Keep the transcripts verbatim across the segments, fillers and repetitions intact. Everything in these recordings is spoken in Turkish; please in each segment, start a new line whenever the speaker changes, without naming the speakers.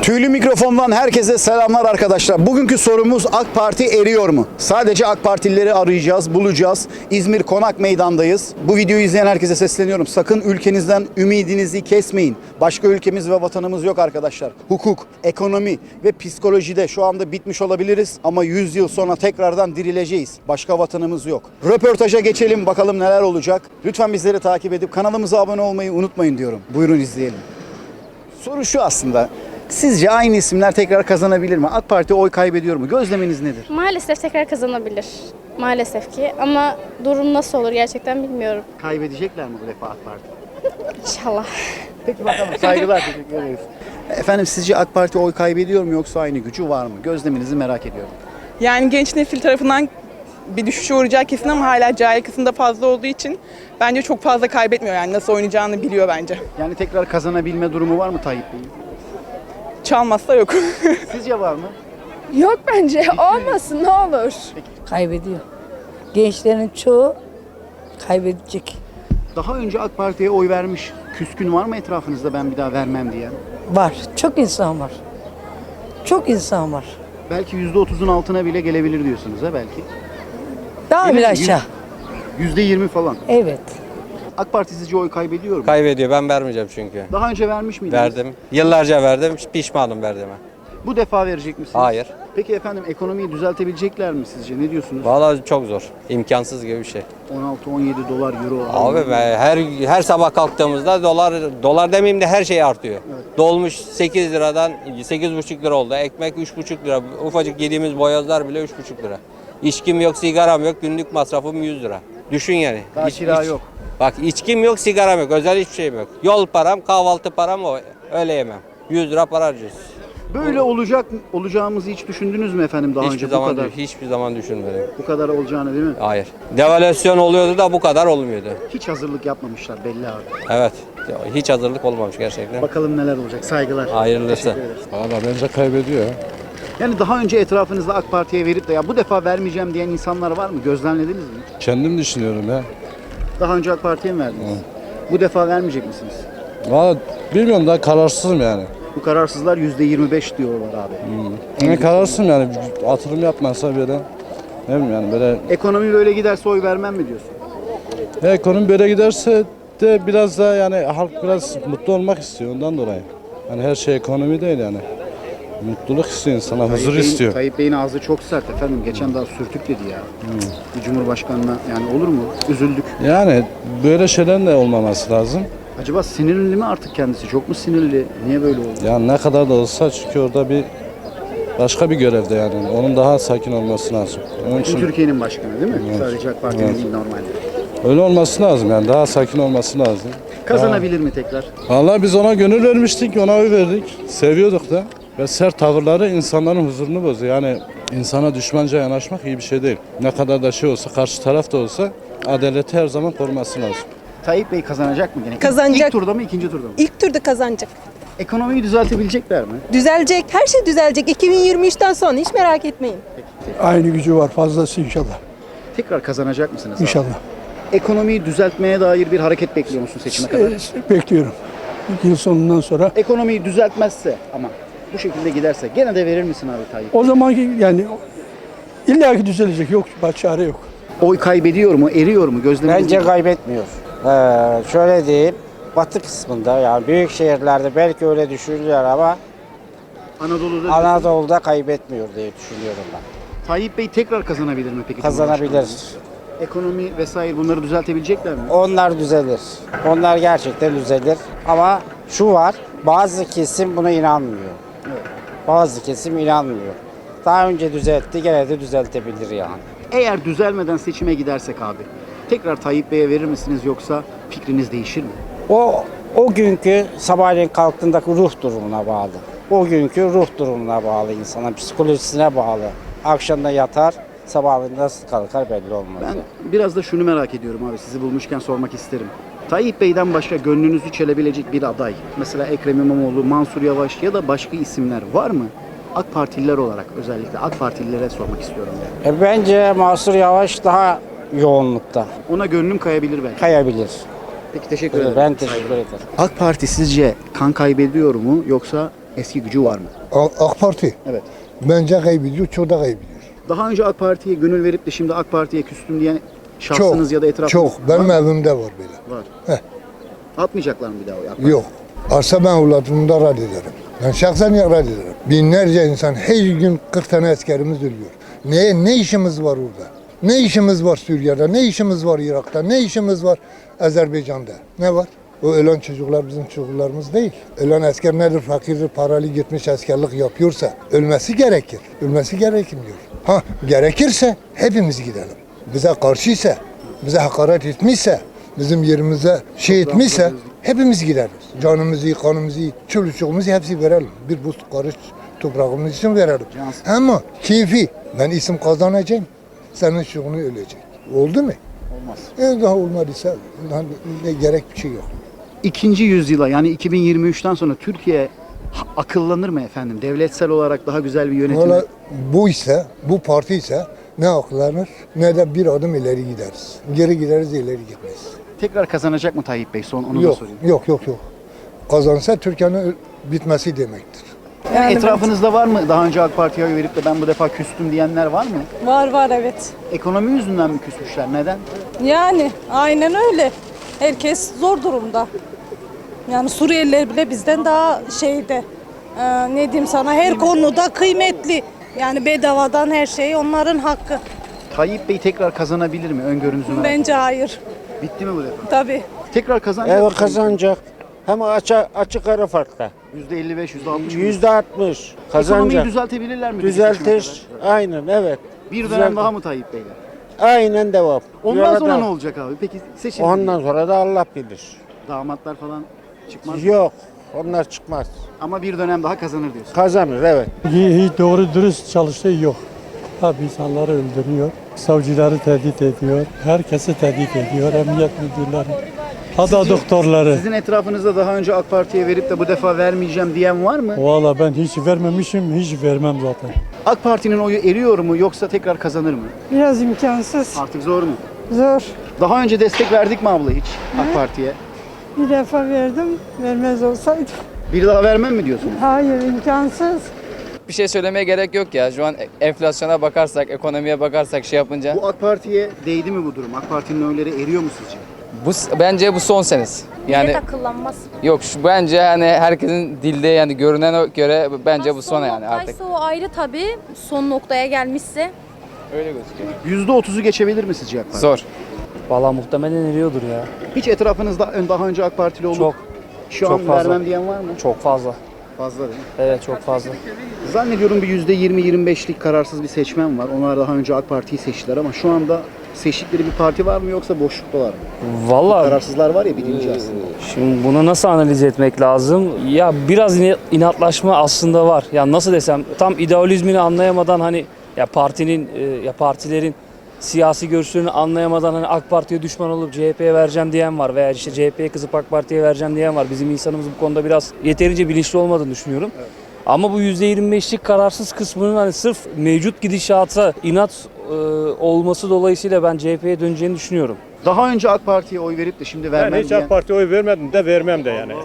Tüylü mikrofondan herkese selamlar arkadaşlar. Bugünkü sorumuz AK Parti eriyor mu? Sadece AK Partilileri arayacağız, bulacağız. İzmir Konak Meydan'dayız. Bu videoyu izleyen herkese sesleniyorum. Sakın ülkenizden ümidinizi kesmeyin. Başka ülkemiz ve vatanımız yok arkadaşlar. Hukuk, ekonomi ve psikolojide şu anda bitmiş olabiliriz ama yüz yıl sonra tekrardan dirileceğiz. Başka vatanımız yok. Röportaja geçelim, bakalım neler olacak. Lütfen bizleri takip edip kanalımıza abone olmayı unutmayın diyorum. Buyurun izleyelim. Soru şu aslında. Sizce aynı isimler tekrar kazanabilir mi? AK Parti oy kaybediyor mu? Gözleminiz nedir?
Maalesef tekrar kazanabilir. Maalesef ki ama durum nasıl olur gerçekten bilmiyorum.
Kaybedecekler mi bu defa AK Parti?
İnşallah.
Peki bakalım. Saygılar, teşekkür ederiz. Efendim sizce AK Parti oy kaybediyor mu yoksa aynı gücü var mı? Gözleminizi merak ediyorum.
Yani genç nesil tarafından bir düşüşe uğrayacağı kesin ama hala cahil kısımda fazla olduğu için bence çok fazla kaybetmiyor, yani nasıl oynayacağını biliyor bence.
Yani tekrar kazanabilme durumu var mı Tayyip Bey'in?
Çalmazsa yok.
Sizce var mı?
Yok bence. Olmasın ne olur.
Kaybediyor. Gençlerin çoğu kaybedecek.
Daha önce AK Parti'ye oy vermiş küskün var mı etrafınızda ben bir daha vermem diyen?
Var. Çok insan var. Çok insan var.
Belki yüzde otuzun altına bile gelebilir diyorsunuz ha belki.
Daha
Yine
bir
yüz-
aşağı.
Yüzde yirmi falan.
Evet.
AK Parti sizce oy kaybediyor mu?
Kaybediyor. Ben vermeyeceğim çünkü.
Daha önce vermiş miydiniz?
Verdim. Yıllarca verdim. Pişmanım verdiğime.
Bu defa verecek misiniz?
Hayır.
Peki efendim ekonomiyi düzeltebilecekler mi sizce? Ne diyorsunuz?
Vallahi çok zor. İmkansız gibi bir şey.
on altı on yedi dolar, euro.
Abi be, her her sabah kalktığımızda dolar dolar demeyeyim de her şey artıyor. Dolmuş sekiz liradan sekiz buçuk lira oldu. Ekmek üç buçuk lira. Ufacık yediğimiz boyozlar bile üç buçuk lira. İçkim yok, sigaram yok. Günlük masrafım yüz lira. Düşün yani.
Daha
İç-
kira
iç-
yok.
Bak içkim yok, sigaram yok. Özel hiçbir şeyim yok. Yol param, kahvaltı param o. Öyle yemem. yüz lira para harcıyoruz.
Böyle olacak olacağımızı hiç düşündünüz mü efendim daha
Hiçbir
önce bu
zaman
kadar
hiçbir zaman düşünmedim.
bu kadar olacağını değil mi?
Hayır. Devalüasyon oluyordu da bu kadar olmuyordu.
Hiç hazırlık yapmamışlar belli abi.
Evet. Hiç hazırlık olmamış gerçekten.
Bakalım neler olacak. Saygılar.
Hayırlısı.
Teşekkür ederiz.
Valla bence kaybediyor ya.
Yani daha önce etrafınızda AK Parti'ye verip de ya bu defa vermeyeceğim diyen insanlar var mı? Gözlemlediniz mi?
Kendim düşünüyorum ya.
Daha önce AK Parti'ye mi verdiniz? Bu defa vermeyecek misiniz?
Valla bilmiyorum, daha kararsızım yani.
Bu kararsızlar yüzde yirmi beş diyorlar abi.
Yani kararsızım yani, atılım yapmazsa böyle. Ne bileyim yani böyle.
Ekonomi böyle giderse oy vermem mi diyorsun?
Ya ekonomi böyle giderse de biraz daha yani halk biraz mutlu olmak istiyor ondan dolayı. Hani her şey ekonomi değil yani. Mutluluk istiyor insana, huzur
Tayyip Bey'in-
istiyor.
Tayyip Bey'in ağzı çok sert efendim. Geçen daha sürtük dedi ya. Bir Cumhurbaşkanına yani olur mu? Üzüldük.
Yani böyle şeylerin de olmaması lazım.
Acaba sinirli mi artık kendisi? Çok mu sinirli? Niye böyle oldu?
Yani ne kadar da olsa çünkü orada bir başka bir görevde yani. Onun daha sakin olması lazım. Onun
Bütün
için
Türkiye'nin başkanı değil mi?
Evet.
Sadece AK Parti'nin
Evet.
değil normalde.
öyle olması lazım yani, daha sakin olması lazım.
Kazanabilir mi tekrar?
Vallahi biz ona gönül vermiştik, ona oy verdik. Seviyorduk da. Ve sert tavırları insanların huzurunu bozuyor. Yani insana düşmanca yanaşmak iyi bir şey değil. Ne kadar da şey olsa, karşı taraf da olsa adaleti her zaman koruması lazım.
Tayyip Bey kazanacak mı gene?
Kazanacak.
İlk turda mı, ikinci turda mı?
İlk turda kazanacak.
Ekonomiyi düzeltebilecekler mi?
Düzelecek. Her şey düzelecek. iki bin yirmi üçten sonra hiç merak etmeyin.
Aynı gücü var, fazlası inşallah.
Tekrar kazanacak mısınız abi?
İnşallah.
Ekonomiyi düzeltmeye dair bir hareket bekliyor musun seçime kadar?
Ee, Bekliyorum. Yıl sonundan sonra.
Ekonomiyi düzeltmezse ama bu şekilde giderse gene de verir misin abi Tayyip?
O zaman yani illaki düzelecek. Yok, başka çare yok.
Oy kaybediyor mu, eriyor mu? Gözleminiz
Bence
nedir?
kaybetmiyor. Ee, şöyle diyeyim, batı kısmında yani büyük şehirlerde belki öyle düşünülüyor ama
Anadolu'da
Anadolu'da kaybetmiyor diye düşünüyorum ben.
Tayyip Bey tekrar kazanabilir mi peki?
Kazanabilir.
Cumhurbaşkanlığı? Ekonomi vesaire bunları düzeltebilecekler mi?
Onlar düzelir. Onlar gerçekten düzelir. Ama şu var, bazı kesim buna inanmıyor. Bazı kesim inanmıyor. Daha önce düzeltti, gene de düzeltebilir yani.
Eğer düzelmeden seçime gidersek abi tekrar Tayyip Bey'e verir misiniz yoksa fikriniz değişir mi?
O o günkü sabahleyin kalktığındaki ruh durumuna bağlı. O günkü ruh durumuna bağlı, insana psikolojisine bağlı. Akşamda yatar, sabahleyin nasıl kalkar belli olmaz.
Ben biraz da şunu merak ediyorum abi, sizi bulmuşken sormak isterim. Tayyip Bey'den başka gönlünüzü çelebilecek bir aday, mesela Ekrem İmamoğlu, Mansur Yavaş ya da başka isimler var mı? AK Partililer olarak özellikle AK Partililere sormak istiyorum yani.
E, bence Mansur Yavaş daha yoğunlukta
Ona gönlüm kayabilir belki.
kayabilir.
Peki teşekkür ederim.
Ben teşekkür ederim.
AK Parti sizce kan kaybediyor mu yoksa Eski gücü var mı?
AK Parti
Evet.
bence kaybediyor, çok da kaybediyor.
Daha önce AK Parti'ye gönül verip de şimdi AK Parti'ye küstüm diyen şahsınız
Çok,
ya da etrafınız
çok. Benim
var mı?
evimde var böyle.
Var.
Heh.
Atmayacaklar mı bir daha o AK Parti?
Yok. Arsa ben evladımı da reddederim. Ben şahsen reddederim. Binlerce insan her gün kırk tane askerimiz ölüyor. Ne, ne işimiz var orada? Ne işimiz var Suriye'de? Ne işimiz var Irak'ta? Ne işimiz var Azerbaycan'da? Ne var? O ölen çocuklar bizim çocuklarımız değil. Ölen asker nedir? Fakirdir, paralı gitmiş askerlik yapıyorsa ölmesi gerekir. Ölmesi gerekmiyor. Ha gerekirse hepimiz gidelim. Bize karşıysa, bize hakaret etmişse, bizim yerimize şey etmişse hepimiz gideriz. Canımızı, kanımızı, çoluğumuzu hepsi verelim. Bir buz karış toprağımız için verelim. Ama keyfi ben isim kazanacağım. Senin şuunu ölecek. Oldu mu?
Olmaz.
E daha olmadıysa daha ne gerek bir şey yok.
İkinci yüzyıla yani iki bin yirmi üçten sonra Türkiye ha- akıllanır mı efendim? Devletsel olarak daha güzel bir yönetim.
Valla bu ise, bu parti ise ne aklanır ne de bir adım ileri gideriz. Geri gideriz, ileri gitmeyiz.
Tekrar kazanacak mı Tayyip Bey? Son onu da
Yok,
sorayım.
yok, yok, yok. Kazansa Türkiye'nin bitmesi demektir.
Yani etrafınızda var mı daha önce AK Parti'ye oy verip de ben bu defa küstüm diyenler var mı?
Var var evet.
Ekonomi yüzünden mi küsmüşler? Neden?
Yani aynen öyle. Herkes zor durumda. Yani Suriyeliler bile bizden daha şeyde. Ee, ne diyeyim sana her konuda kıymetli. Yani bedavadan her şey onların hakkı.
Tayyip Bey tekrar kazanabilir mi? Öngörünüzü merak
Bence hayır.
ediyorum. Bitti mi bu defa?
Tabii.
Tekrar kazanacak
Evet
mı?
kazanacak. Hem açık, açık ara farkla.
yüzde elli beş, yüzde altmış mı?
yüzde altmış
Ekonomiyi
kazanacak.
düzeltebilirler mi? peki seçime
Düzeltir.
kadar?
Aynen evet.
Bir dönem
Düzeltir.
daha mı Tayyip Bey'le?
Aynen devam.
Ondan
Yola
sonra
devam.
ne olacak abi? Peki seçim.
Ondan sonra da Allah bilir.
Damatlar falan çıkmaz.
Yok. Onlar çıkmaz.
Ama bir dönem daha kazanır diyorsun.
Kazanır evet.
Hiç doğru dürüst çalıştığı yok. Tabii insanları öldürüyor. Savcıları tehdit ediyor. Herkesi tehdit ediyor. Emniyet müdürleri. Hatta doktorları.
Sizin etrafınızda daha önce AK Parti'ye verip de bu defa vermeyeceğim diyen var mı?
Valla ben hiç vermemişim, hiç vermem zaten.
AK Parti'nin oyu eriyor mu yoksa tekrar kazanır mı?
Biraz imkansız.
Artık zor mu?
Zor.
Daha önce destek verdik mi abla hiç AK Parti'ye?
Bir defa verdim. Vermez olsaydı.
Bir daha vermem mi diyorsunuz?
Hayır imkansız.
Bir şey söylemeye gerek yok ya. Şu an enflasyona bakarsak, ekonomiye bakarsak şey yapınca.
Bu AK Parti'ye değdi mi bu durum? AK Parti'nin oyları eriyor mu sizce?
Bu bence bu son senesi. Yani
Millet akıllanmaz.
yok şu bence hani herkesin dilde yani görünen göre bence bu son yani artık.
o ayrı tabii. Son noktaya gelmişse.
Öyle gözüküyor.
yüzde otuzu geçebilir mi sizce AK Parti?
Zor.
Valla muhtemelen eriyordur ya.
Hiç etrafınızda daha önce AK Partili olup
Çok.
şu
çok
an
fazla.
vermem diyen var mı?
Çok fazla.
Fazla değil mi?
Evet çok fazla.
Zannediyorum bir yüzde yirmi yirmi beşlik kararsız bir seçmen var. Onlar daha önce AK Parti'yi seçtiler ama şu anda seçtikleri bir parti var mı yoksa boşluktalar mı?
Valla
Kararsızlar var ya birinci aslında.
şimdi bunu nasıl analiz etmek lazım? Ya biraz ine- inatlaşma aslında var. Ya nasıl desem tam ideolizmini anlayamadan hani ya partinin e, ya partilerin siyasi görüşlerini anlayamadan hani AK Parti'ye düşman olup C H P'ye vereceğim diyen var veya işte C H P'ye kızıp AK Parti'ye vereceğim diyen var. Bizim insanımız bu konuda biraz yeterince bilinçli olmadığını düşünüyorum. Evet. Ama bu yüzde yirmi beşlik kararsız kısmının hani sırf mevcut gidişata inat e, olması dolayısıyla ben C H P'ye döneceğini düşünüyorum.
Daha önce AK Parti'ye oy verip de şimdi vermem
Ben hiç
diyen.
AK Parti'ye oy vermedim de vermem de yani.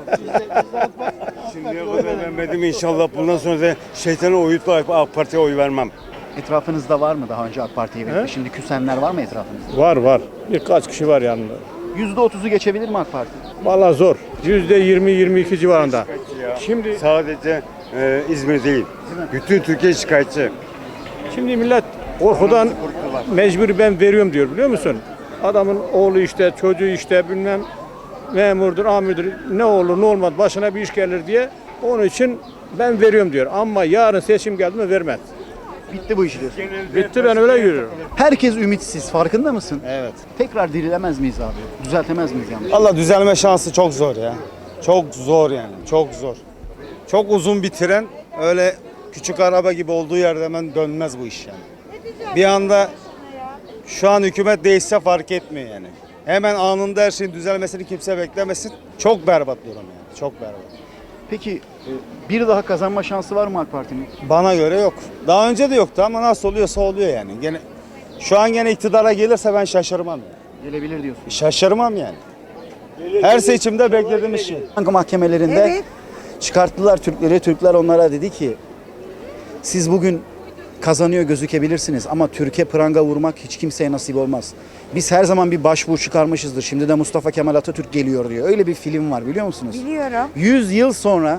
Şimdiye kadar vermedim inşallah bundan sonra da şeytanı uyutma AK Parti'ye oy vermem.
Etrafınızda var mı daha önce AK Parti'ye verip de şimdi küsenler var mı etrafınızda?
Var var. Birkaç kişi var yanında.
yüzde otuzu geçebilir mi AK Parti?
Valla zor. yüzde yirmi yirmi iki civarında.
Şimdi sadece e, İzmir değil, bütün Türkiye şikayetçi.
Şimdi millet korkudan mecbur ben veriyorum diyor biliyor musun? Adamın oğlu işte, çocuğu işte bilmem memurdur, amirdir ne olur ne olmaz başına bir iş gelir diye onun için ben veriyorum diyor. Ama yarın seçim geldi mi vermez.
Bitti bu iş diyorsun.
Bitti ben öyle görüyorum.
Herkes ümitsiz farkında mısın?
Evet.
Tekrar dirilemez miyiz abi? Düzeltemez miyiz yanlış?
Allah düzelme şansı çok zor ya. Çok zor yani, çok zor. Çok uzun bir tren, öyle küçük araba gibi olduğu yerde hemen dönmez bu iş yani. Bir anda şu an hükümet değişse fark etmiyor yani. Hemen anında her şeyin düzelmesini kimse beklemesin. Çok berbat durum yani, çok berbat.
Peki bir daha kazanma şansı var mı AK Parti'nin?
Bana göre yok. Daha önce de yoktu ama nasıl oluyorsa oluyor yani. Gene şu an gene iktidara gelirse ben şaşırmam yani.
Gelebilir diyorsun.
Şaşırmam yani. Her seçimde beklediğimiz şey.
Banka mahkemelerinde
Evet.
Çıkarttılar Türkleri. Türkler onlara dedi ki siz bugün kazanıyor gözükebilirsiniz ama Türkiye pranga vurmak hiç kimseye nasip olmaz. Biz her zaman bir başvuru çıkarmışızdır. Şimdi de Mustafa Kemal Atatürk geliyor diyor. Öyle bir film var biliyor musunuz?
Biliyorum.
yüz yıl sonra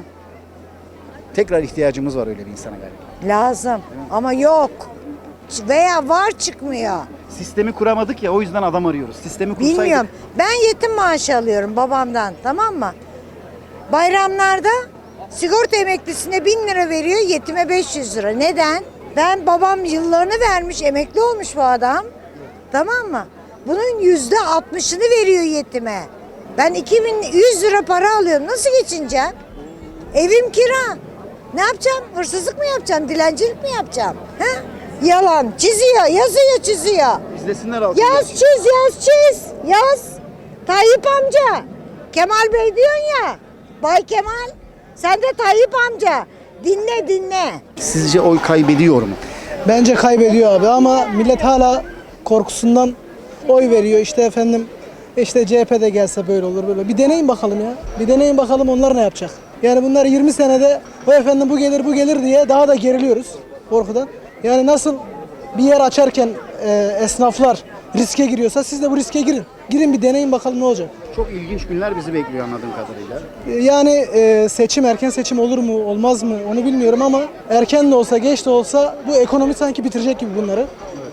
tekrar ihtiyacımız var öyle bir insana galiba.
Lazım ama yok. Veya var çıkmıyor.
Sistemi kuramadık ya o yüzden adam arıyoruz. Sistemi kursaydık.
Bilmiyorum. Ben yetim maaşı alıyorum babamdan, tamam mı? Bayramlarda sigorta emeklisine bin lira veriyor, yetime beş yüz lira. Neden? Ben babam yıllarını vermiş, emekli olmuş bu adam. Tamam mı? Bunun yüzde altmışını veriyor yetime. Ben iki bin yüz lira para alıyorum. Nasıl geçineceğim? Evim kira. Ne yapacağım? Hırsızlık mı yapacağım? Dilencilik mi yapacağım? He? Yalan. Çiziyor, yazıyor, çiziyor.
İzlesinler altı.
Yaz, çiz, yaz, çiz. Yaz. Tayyip amca. Kemal Bey diyorsun ya. Bay Kemal. Sen de Tayyip amca. Dinle, dinle.
Sizce oy kaybediyor mu?
Bence kaybediyor abi ama millet hala korkusundan oy veriyor. İşte efendim işte C H P'de gelse böyle olur böyle. Bir deneyin bakalım ya. Bir deneyin bakalım onlar ne yapacak. Yani bunlar yirmi senede o efendim bu gelir bu gelir diye daha da geriliyoruz korkudan. Yani nasıl bir yer açarken e, esnaflar riske giriyorsa siz de bu riske girin. Girin bir deneyin bakalım ne olacak.
Çok ilginç günler bizi bekliyor anladığım kadarıyla.
Yani e, seçim erken seçim olur mu olmaz mı onu bilmiyorum ama erken de olsa geç de olsa bu ekonomi sanki bitirecek gibi bunları.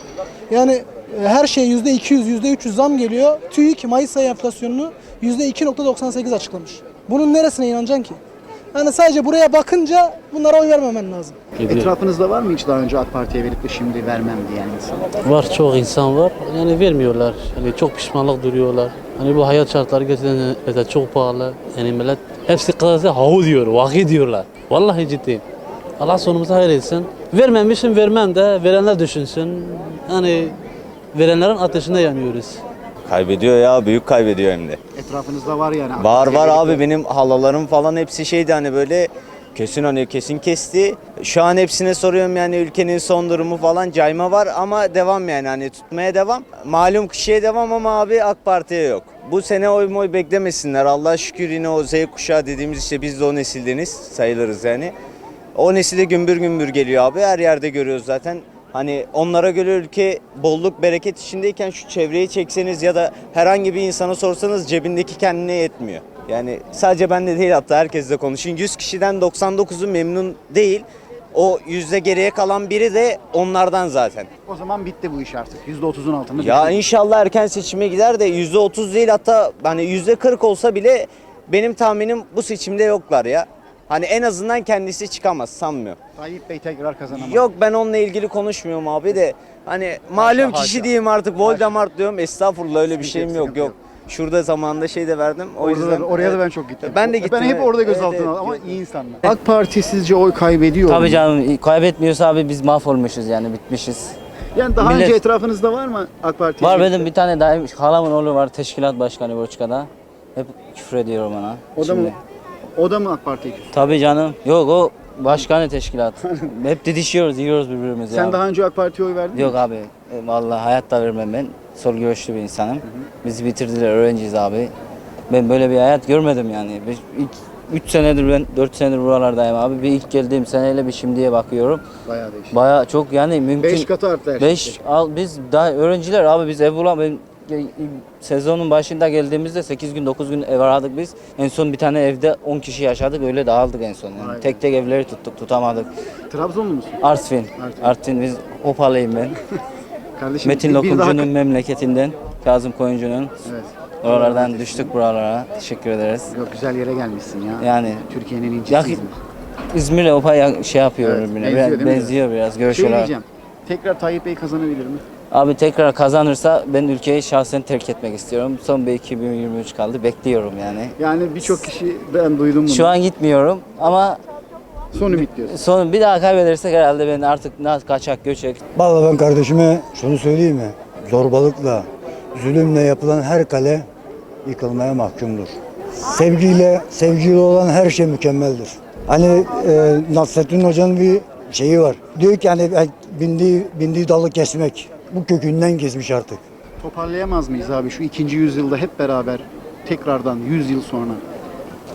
Yani e, her şey yüzde iki yüz yüzde üç yüz zam geliyor. TÜİK Mayıs ayı enflasyonunu yüzde iki virgül doksan sekiz açıklamış. Bunun neresine inanacaksın ki? Yani sadece buraya bakınca bunlara oy vermemen lazım.
Etrafınızda var mı hiç daha önce AK Parti'ye verip de şimdi vermem diyen insan?
Var, çok insan var. Yani vermiyorlar. Yani çok pişmanlık duruyorlar. Hani bu hayat şartları gerçekten çok pahalı. Yani millet hepsi kızarsa havu diyor, vahi diyorlar. Vallahi ciddiyim. Allah sonumuzu hayır etsin. Vermemişim vermem de verenler düşünsün. Hani verenlerin ateşinde yanıyoruz.
Kaybediyor ya, büyük kaybediyor hem de.
Etrafınızda var yani.
Var var abi, benim halalarım falan hepsi şeydi hani böyle kesin hani kesin kesti. Şu an hepsine soruyorum yani ülkenin son durumu falan, cayma var ama devam yani hani tutmaya devam. Malum kişiye devam ama abi AK Parti'ye yok. Bu sene oy moy beklemesinler. Allah şükür yine o Z kuşağı dediğimiz işte biz de o nesildeniz sayılırız yani. O nesile gümbür gümbür geliyor abi, her yerde görüyoruz zaten. Hani onlara göre ülke bolluk bereket içindeyken şu çevreyi çekseniz ya da herhangi bir insana sorsanız cebindeki kendine yetmiyor. Yani sadece ben de değil, hatta herkesle konuşun. yüz kişiden doksan dokuzu memnun değil. O yüzde geriye kalan biri de onlardan zaten.
O zaman bitti bu iş artık. yüzde otuzun altında.
Ya
bitti.
inşallah erken seçime gider de yüzde otuz değil, hatta hani yüzde kırk olsa bile benim tahminim bu seçimde yoklar ya. Hani en azından kendisi çıkamaz sanmıyorum.
Tayyip Bey tekrar kazanamaz.
Yok, ben onunla ilgili konuşmuyorum abi de. Hani malum
haşa,
kişi
haşa.
diyeyim artık, Voldemort diyorum. Estağfurullah, öyle bir
Sıkıntı
şeyim
yok,
yok
sıkıntı
yok. Şurada zamanında şey de verdim. O
Orada
yüzden
da- oraya da ben çok gittim.
Ben de gittim.
Ben hep
evet.
orada gözaltına
Evet,
aldım ama
evet.
iyi insanlar. AK Parti sizce oy kaybediyor mu?
Tabii canım, kaybetmiyorsa abi biz mahvolmuşuz yani, bitmişiz.
Yani daha
Millet-
önce etrafınızda var mı AK Parti?
Var benim bir tane daha halamın oğlu var, teşkilat başkanı Borçka'da. Hep küfür ediyorum ona.
O da mı?
Şimdi.
O da mı AK Parti'ye küstü?
Tabii canım. Yok, o başkanı teşkilat. Hep didişiyoruz, yiyoruz birbirimizi.
Sen
ya.
daha önce AK Parti'ye oy verdin mi?
Yok abi, e, vallahi hayatta vermem ben. Sol görüşlü bir insanım. Bizi bitirdiler, öğrenciyiz abi. Ben böyle bir hayat görmedim yani. Biz ilk üç senedir ben dört senedir buralardayım abi. Bir ilk geldiğim seneyle bir şimdiye bakıyorum.
Bayağı değişik.
Bayağı çok yani mümkün.
beş katı arttı her şey.
beş al biz daha öğrenciler abi, biz ev bulam ben e, sezonun başında geldiğimizde sekiz gün dokuz gün ev aradık biz. En son bir tane evde on kişi yaşadık, öyle dağıldık en son. Yani
Vay
tek tek evleri tuttuk, tutamadık.
Trabzonlu musun?
Artvin.
Artvin.
Artvin, biz Opalıyım ben.
Kardeşim
Metin
bir daha-
Lokumcu'nun memleketinden, Kazım Koyuncu'nun.
Evet.
Oralardan düştük buralara. Teşekkür ederiz.
Yok, güzel yere gelmişsin ya.
Yani
Türkiye'nin incisi
ya,
İzmir.
İzmir'le Opa'ya şey yapıyor
Evet,
birbirine.
benziyor
Biraz,
değil mi?
benziyor biraz görüş
Şey
olarak.
diyeceğim. Tekrar Tayyip Bey kazanabilir mi?
Abi tekrar kazanırsa ben ülkeyi şahsen terk etmek istiyorum. Son bir iki bin yirmi üç kaldı. Bekliyorum yani.
Yani birçok kişi ben duydum bunu.
Şu an gitmiyorum ama
son ümit diyorsun.
son bir daha kaybedersek herhalde ben artık nasıl kaçak göçek.
Vallahi ben kardeşime şunu söyleyeyim mi? Zorbalıkla, zulümle yapılan her kale yıkılmaya mahkumdur. Sevgiyle, sevgiyle olan her şey mükemmeldir. Hani e, Nasrettin Hoca'nın bir şeyi var. Diyor ki hani bindiği, bindiği dalı kesmek. Bu kökünden kesmiş artık.
Toparlayamaz mıyız abi şu ikinci yüzyılda hep beraber tekrardan yüz yıl sonra?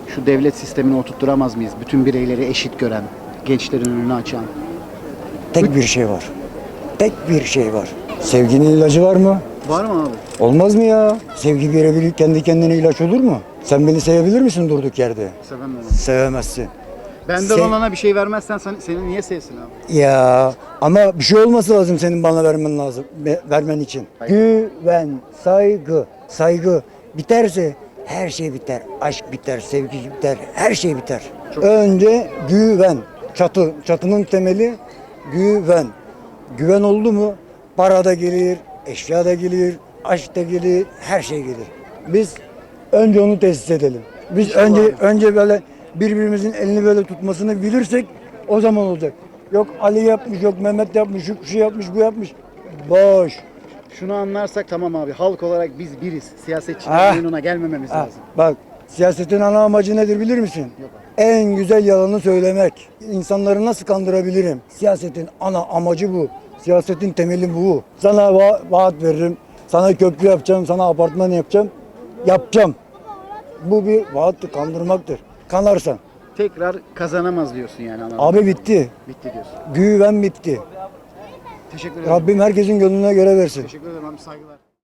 şu devlet sistemini oturtturamaz mıyız? Bütün bireyleri eşit gören, gençlerin önünü açan.
Tek bir şey var. Tek bir şey var. Sevginin ilacı var mı?
Var mı abi?
Olmaz mı ya? Sevgi birebir kendi kendine ilaç olur mu? Sen beni sevebilir misin durduk yerde?
Sevemem.
Sevemezsin.
Benden
Sev-
olana bir şey vermezsen sen, seni niye sevsin abi?
Ya ama bir şey olması lazım senin bana vermen lazım, be- vermen için. Güven, saygı, saygı biterse her şey biter. Aşk biter, sevgi biter, her şey biter. Önce güven. Çatı, çatının temeli güven. Güven oldu mu para da gelir, eşya da gelir, aşk da gelir, her şey gelir. Biz önce onu tesis edelim. Biz önce önce böyle birbirimizin elini böyle tutmasını bilirsek o zaman olacak. Yok Ali yapmış, yok Mehmet yapmış, yok şu yapmış, bu yapmış. Boş.
Şunu anlarsak tamam abi. Halk olarak biz biriz. Siyasetçilerin
Ah.
oyununa gelmememiz
Ha,
lazım.
bak siyasetin ana amacı nedir bilir misin? En güzel yalanı söylemek. İnsanları nasıl kandırabilirim? Siyasetin ana amacı bu. Siyasetin temeli bu. Sana va- vaat veririm. Sana köprü yapacağım, sana apartman yapacağım. Yapacağım. Bu bir vaattır, kandırmaktır. Kanarsan.
Tekrar kazanamaz diyorsun yani. anladın
Abi
mı?
bitti.
Bitti diyorsun.
Güven bitti.
Teşekkür ederim.
Rabbim herkesin gönlüne göre versin.
Teşekkür ederim abi, saygılar.